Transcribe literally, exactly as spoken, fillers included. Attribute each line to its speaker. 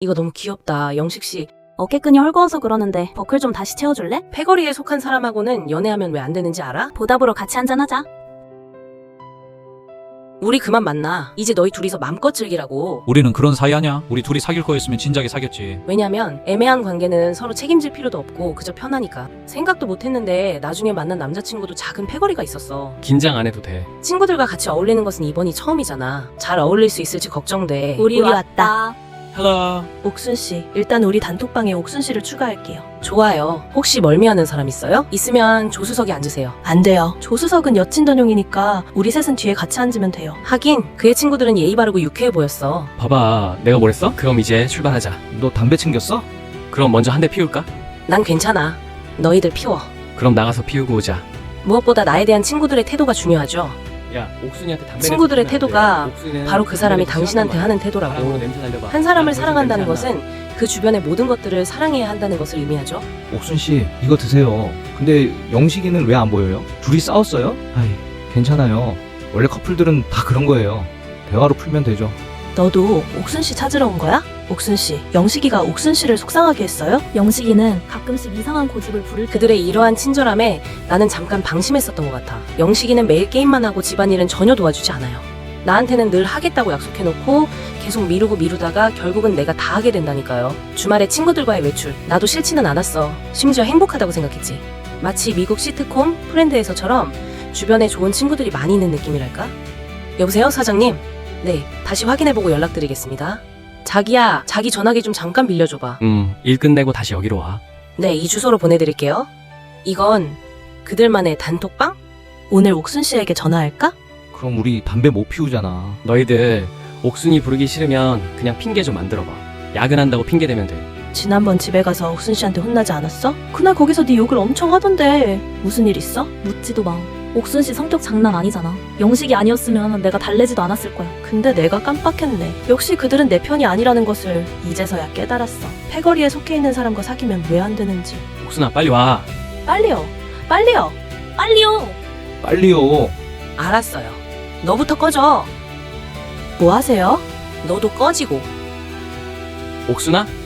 Speaker 1: 이거 너무 귀엽다. 영식씨.
Speaker 2: 어깨끈이 헐거워서 그러는데 버클 좀 다시 채워줄래?
Speaker 1: 패거리에 속한 사람하고는 연애하면 왜 안 되는지 알아?
Speaker 2: 보답으로 같이 한잔하자.
Speaker 1: 우리 그만 만나. 이제 너희 둘이서 맘껏 즐기라고.
Speaker 3: 우리는 그런 사이 아냐? 우리 둘이 사귈 거였으면 진작에 사귀었지.
Speaker 1: 왜냐면 애매한 관계는 서로 책임질 필요도 없고 그저 편하니까. 생각도 못했는데 나중에 만난 남자친구도 작은 패거리가 있었어.
Speaker 4: 긴장 안 해도 돼.
Speaker 1: 친구들과 같이 어울리는 것은 이번이 처음이잖아. 잘 어울릴 수 있을지 걱정돼.
Speaker 2: 우리, 왔다.
Speaker 4: 헬로.
Speaker 5: 옥순씨, 일단 우리 단톡방에 옥순씨를 추가할게요.
Speaker 1: 좋아요. 혹시 멀미하는 사람 있어요? 있으면 조수석에 앉으세요.
Speaker 5: 안 돼요. 조수석은 여친 전용이니까 우리 셋은 뒤에 같이 앉으면 돼요.
Speaker 1: 하긴 그의 친구들은 예의 바르고 유쾌해 보였어.
Speaker 4: 봐봐, 내가 뭐랬어? 그럼 이제 출발하자.
Speaker 6: 너 담배 챙겼어?
Speaker 4: 그럼 먼저 한 대 피울까?
Speaker 1: 난 괜찮아. 너희들 피워.
Speaker 4: 그럼 나가서 피우고 오자.
Speaker 1: 무엇보다 나에 대한 친구들의 태도가 중요하죠.
Speaker 4: 야, 옥순이한테 담배
Speaker 1: 친구들의 태도가 바로 그 사람이 당신한테 하는 태도라고. 한 사람을 사랑한다는 것은 그 주변의 모든 것들을 사랑해야 한다는 것을 의미하죠.
Speaker 6: 옥순씨, 이거 드세요. 근데 영식이는 왜 안 보여요? 둘이 싸웠어요? 아이, 괜찮아요. 원래 커플들은 다 그런 거예요. 대화로 풀면 되죠.
Speaker 5: 너도 옥순씨 찾으러 온 거야? 옥순씨, 영식이가 옥순씨를 속상하게 했어요?
Speaker 2: 영식이는 가끔씩 이상한 고집을 부를 때
Speaker 1: 그들의 이러한 친절함에 나는 잠깐 방심했었던 것 같아. 영식이는 매일 게임만 하고 집안일은 전혀 도와주지 않아요. 나한테는 늘 하겠다고 약속해놓고 계속 미루고 미루다가 결국은 내가 다 하게 된다니까요. 주말에 친구들과의 외출, 나도 싫지는 않았어. 심지어 행복하다고 생각했지. 마치 미국 시트콤 프렌드에서처럼 주변에 좋은 친구들이 많이 있는 느낌이랄까? 여보세요, 사장님? 네, 다시 확인해보고 연락드리겠습니다. 자기야, 자기 전화기 좀 잠깐 빌려줘봐.
Speaker 4: 음, 일 끝내고 다시 여기로 와.
Speaker 1: 네, 이 주소로 보내드릴게요. 이건 그들만의 단톡방?
Speaker 5: 오늘 옥순씨에게 전화할까?
Speaker 6: 그럼 우리 담배 못 피우잖아.
Speaker 4: 너희들 옥순이 부르기 싫으면 그냥 핑계 좀 만들어봐. 야근한다고 핑계 대면 돼.
Speaker 5: 지난번 집에 가서 옥순씨한테 혼나지 않았어? 그날 거기서 네 욕을 엄청 하던데 무슨 일 있어?
Speaker 2: 묻지도 마. 옥순씨 성격 장난 아니잖아. 영식이 아니었으면 내가 달래지도 않았을 거야.
Speaker 5: 근데 내가 깜빡했네. 역시 그들은 내 편이 아니라는 것을 이제서야 깨달았어. 패거리에 속해 있는 사람과 사귀면 왜 안 되는지.
Speaker 4: 옥순아, 빨리 와.
Speaker 5: 빨리요. 빨리요.
Speaker 2: 빨리요!
Speaker 6: 빨리요.
Speaker 1: 알았어요. 너부터 꺼져.
Speaker 5: 뭐 하세요?
Speaker 1: 너도 꺼지고.
Speaker 4: 옥순아,